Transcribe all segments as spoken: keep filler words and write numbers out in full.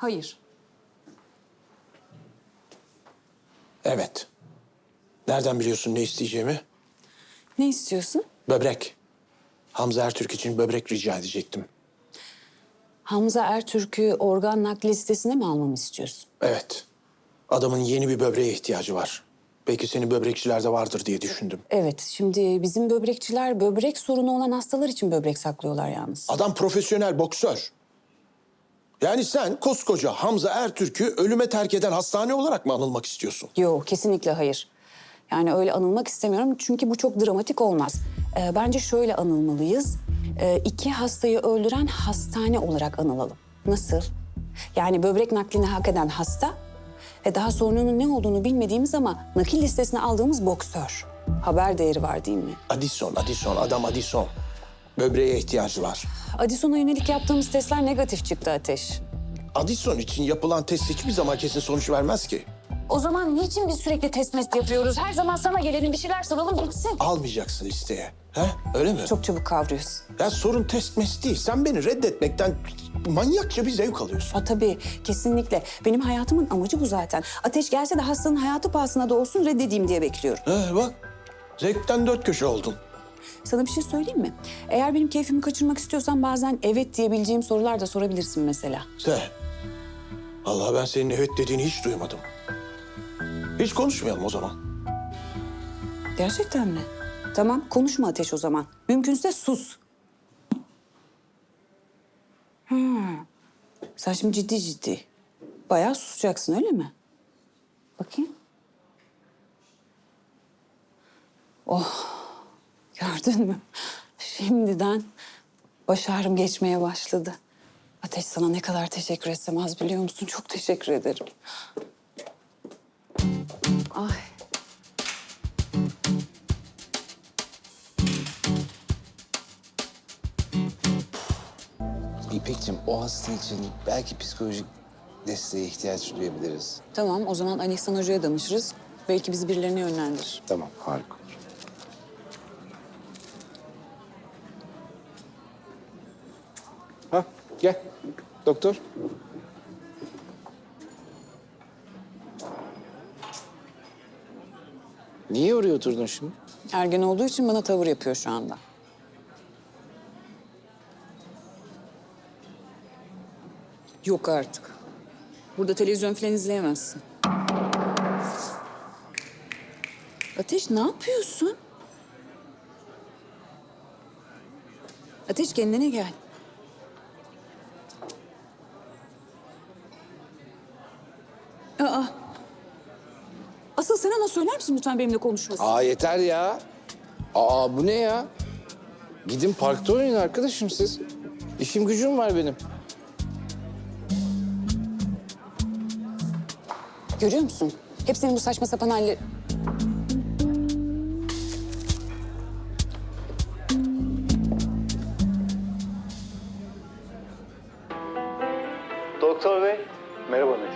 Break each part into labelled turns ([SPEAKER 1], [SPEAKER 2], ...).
[SPEAKER 1] Hayır.
[SPEAKER 2] Evet. Nereden biliyorsun ne isteyeceğimi?
[SPEAKER 1] Ne istiyorsun?
[SPEAKER 2] Böbrek. Hamza Ertürk için böbrek rica edecektim.
[SPEAKER 1] Hamza Ertürk'ü organ nakli listesine mi almamı istiyorsun?
[SPEAKER 2] Evet. Adamın yeni bir böbreğe ihtiyacı var. Belki senin böbrekçilerde vardır diye düşündüm.
[SPEAKER 1] Evet, şimdi bizim böbrekçiler böbrek sorunu olan hastalar için böbrek saklıyorlar yalnız.
[SPEAKER 2] Adam profesyonel boksör. Yani sen koskoca Hamza Ertürk'ü ölüme terk eden hastane olarak mı anılmak istiyorsun?
[SPEAKER 1] Yok, kesinlikle hayır. Yani öyle anılmak istemiyorum çünkü bu çok dramatik olmaz. Ee, bence şöyle anılmalıyız. Ee, iki hastayı öldüren hastane olarak anılalım. Nasıl? Yani böbrek naklini hak eden hasta ve daha sorununun ne olduğunu bilmediğimiz ama nakil listesine aldığımız boksör. Haber değeri var değil mi?
[SPEAKER 2] Addison, Addison, adam Addison. Böbreğe ihtiyacı var.
[SPEAKER 1] Addison'a yönelik yaptığımız testler negatif çıktı Ateş.
[SPEAKER 2] Addison için yapılan test hiçbir zaman kesin sonuç vermez ki.
[SPEAKER 1] O zaman niçin biz sürekli test mest yapıyoruz? Her zaman sana gelelim bir şeyler soralım bitsin.
[SPEAKER 2] Almayacaksın listeye. He? Öyle mi?
[SPEAKER 1] Çok çabuk kavruyorsun.
[SPEAKER 2] Ya sorun test mes değil. Sen beni reddetmekten manyakça bir zevk alıyorsun.
[SPEAKER 1] Ha tabii, kesinlikle. Benim hayatımın amacı bu zaten. Ateş gelse de hastanın hayatı pahasına da olsun reddedeyim diye bekliyorum.
[SPEAKER 2] He bak. Zevkten dört köşe oldun.
[SPEAKER 1] Sana bir şey söyleyeyim mi? Eğer benim keyfimi kaçırmak istiyorsan bazen evet diyebileceğim sorular da sorabilirsin mesela.
[SPEAKER 2] Sen. Vallahi ben senin evet dediğini hiç duymadım. Hiç konuşmayalım o zaman.
[SPEAKER 1] Gerçekten mi? Tamam, konuşma Ateş o zaman. Mümkünse sus. Hmm. Sen şimdi ciddi ciddi. Bayağı susacaksın öyle mi? Bakayım. Oh, gördün mü? Şimdiden baş ağrım geçmeye başladı. Ateş sana ne kadar teşekkür etsem az biliyor musun? Çok teşekkür ederim. Ay.
[SPEAKER 3] İpek'cim o hasta için belki psikolojik desteğe ihtiyaç duyabiliriz.
[SPEAKER 1] Tamam, o zaman Ali İhsan Hoca'ya danışırız. Belki bizi birilerine yönlendirir.
[SPEAKER 3] Tamam, harika olur. Ha, gel. Doktor. Niye oraya oturdun şimdi?
[SPEAKER 1] Ergen olduğu için bana tavır yapıyor şu anda. Yok artık. Burada televizyon falan izleyemezsin. Ateş ne yapıyorsun? Ateş kendine gel. Aa. Asıl sen ona söyler misin lütfen benimle konuşmasın?
[SPEAKER 3] Aa yeter ya. Aa bu ne ya? Gidin parkta oynayın arkadaşım siz. İşim gücüm var benim.
[SPEAKER 1] Görüyor musun? Hep senin bu saçma sapan halleri...
[SPEAKER 4] Doktor bey,
[SPEAKER 5] Merhaba Metin.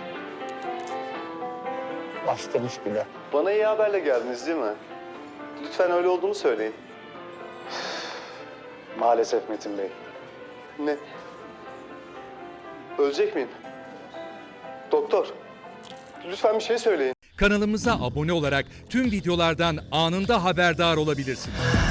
[SPEAKER 5] Başlamış bile.
[SPEAKER 4] bana iyi haberle geldiniz değil mi? Lütfen öyle olduğunu söyleyin.
[SPEAKER 5] Maalesef Metin Bey.
[SPEAKER 4] Ne? Ölecek miyim? Doktor, lütfen bir şey söyleyin.
[SPEAKER 6] Kanalımıza abone olarak tüm videolardan anında haberdar olabilirsiniz.